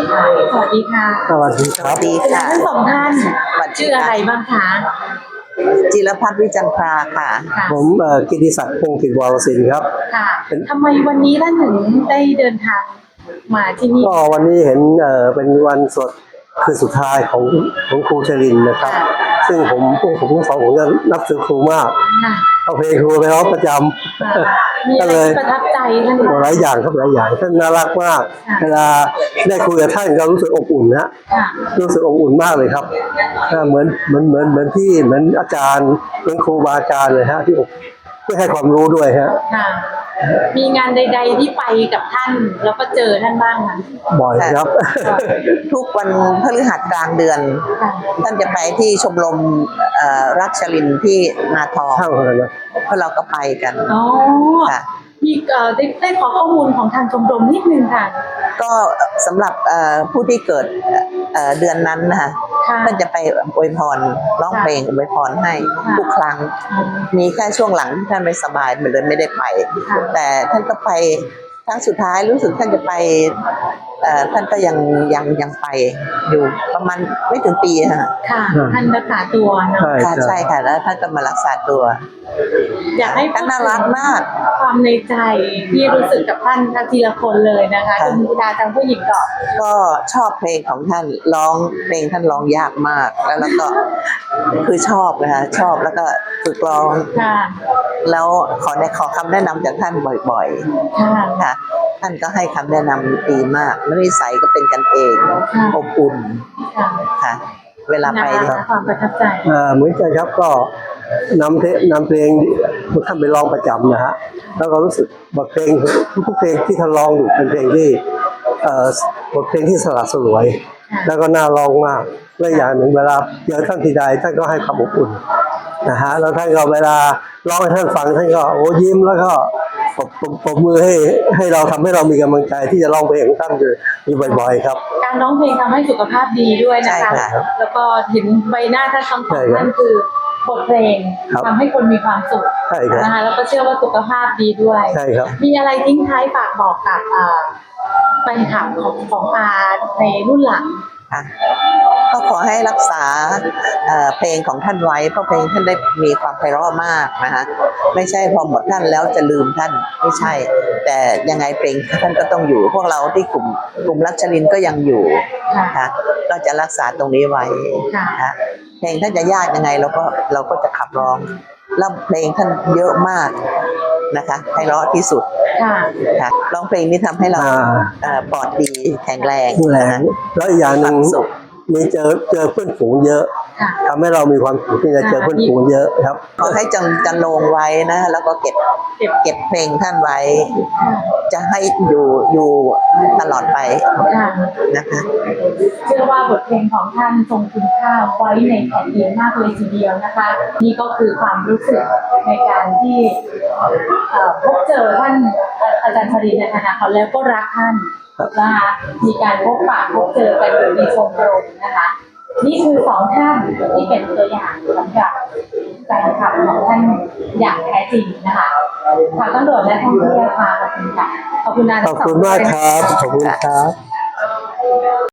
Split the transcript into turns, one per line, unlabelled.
สวัสดีค่ะ
สวัสดีครับ
ดีค่ะ
ทั้งสองท่านชื่ออะไรบ้างคะ
จิรพัฒน์วิจันทราค่ะ
ผมกิติศักดิ์พงศ์กิจวรศิลป์ครับ
ค่ะทำไมวันนี้ท่านถึงได้เดินทางมาที่นี่
ก็วันนี้เห็นเป็นวันสดคืนสุดท้ายของครูชรินทร์นะครับซึ่งผมทั้งสองผมจะนับถือครูมากเอาเพลงครูไปร้องประจำ
มีอะไรประทับใจท่าน
หลายอย่างครับหลายอย่างท่านน่ารักมากเวลาได้คุยกับท่านก็รู้สึกอบอุ่นนะรู้สึกอบอุ่นมากเลยครับเหมือนพี่เหมือนอาจารย์เหมือนครูบาอาจารย์เลยฮะที่ให้ความรู้ด้วยฮะ
มีงานใดๆที่ไปกับท่านแล้วก็เจอท่านบ้างไหม
บ่อยครับ
ทุกวันพฤหัสกลางเดือนท่านจะไปที่ชมรมรักชลินที่นาทองเพราะเราก็ไปกัน
อ๋อค่ะมีได้ขอข้อมูลของทางชมรมนิดนึงค่ะ
ก็สำหรับผู้ที่เกิดเดือนนั้นนะคะท่านจะไปอวยพรร้องเพลงอวยพรให้ทุกครั้งมีแค่ช่วงหลังที่ท่านไม่สบายมันเลยไม่ได้ไปแต่ท่านก็ไปครั้งสุดท้ายรู้สึกท่านจะไปท่านก็ยังไปอยู่ประมาณไม่ถึงปีค่ะ
ท่านรักษาตัวนะ
ค่ะใช่ค่ะแล้วท่านก็มารักษาตัว
อยากให้
ท่านน่ารักมาก
ความในใจที่รู้สึกกับท่านทีละคนเลยนะคะคุณดาทางผู้หญิง
ก็ชอบเพลงของท่านร้องเพลงท่านร้องยากมากแล้วก็คือชอบนะคะชอบแล้วก็ฝึกร้องแล้วขอคำแนะนำจากท่านบ่อยๆค่ะท่านก็ให้คำแนะนำดีมากแล้วนิสัยก็เป็นกันเองอบอุ่นค่ะเวลาไป
ความประทับใจ
เหมือนกันครับก็นำเพลงท่านไปร้องประจำนะฮะแล้วก็รู้สึกบทเพลงทุกเพลงที่ท่านร้องอยู่เป็นเพลงที่บทเพลงที่สละสลวยแล้วก็น่าร้องมากและอย่างหนึ่งเวลาเจอท่านทีใดท่านก็ให้ความอบอุ่นนะฮะแล้วท่านก็เวลาร้องให้ท่านฟังท่านก็โอ้ยิ้มแล้วก็ปรบมือให้เราทำให้เรามีกำลังใจที่จะร้องเพลงของท่านอยู่บ่อยๆครับ
การร้องเพลงทำให้สุขภาพดีด้วยนะคะแล้วก็เห็นใบหน้าท่านทั้งสองท่านคือบทเพลงทำให้คนมีความสุขนะคะแล้วก็เชื่อว่าสุขภาพดีด้วยมีอะไรทิ้งท้ายฝากบอกกับแฟนคลับของอาในรุ่นหลัง
ก็ขอให้รักษาเพลงของท่านไว้เพราะเพลงท่านได้มีความไพเราะมากนะคะไม่ใช่พอหมดท่านแล้วจะลืมท่านไม่ใช่แต่ยังไงเพลงท่านก็ต้องอยู่พวกเราที่กลุ่มรักชลินก็ยังอยู่นะคะก็จะรักษาตรงนี้ไว้นะคะเพลงท่านจะยากยังไงเราก็จะขับร้องแล้วเพลงท่านเยอะมากนะคะไพเราะที่สุดค่ะร้องเพลงนี้ทำให้เราปลอดดีแข็งแรง
แล้วอีกอย่างหนึ่งมีเจอเพื่อนฝูงเยอะทำให้เรามีความสุขที่จะเจอเพื่อนฝูงเยอะครับ
ขอให้จันลงไว้นะแล้วก็เก็บเพลงท่านไว้จะให้อยู่ตลอดไปนะคะ
เชื่อว่าบทเพลงของท่านทรงคุณค่าไว้ในแผ่นดินมากเลยทีเดียวนะคะนี่ก็คือความรู้สึกในการที่พบเจอท่านอาจารย์ชรินทร์นะคะแล้วก็รักท่านนะคะมีการพบปะพบเจอกันอยู่ในชมรมนะคะนี่คือสองท่านที่เป็นตัวอย่างสำหรับการขับของท่านอย่างแท้จริงนะคะทางตำรวจและท่องเที่ยวค่ะขอบคุณค่ะ
ขอบคุณมากครับขอบคุณครับ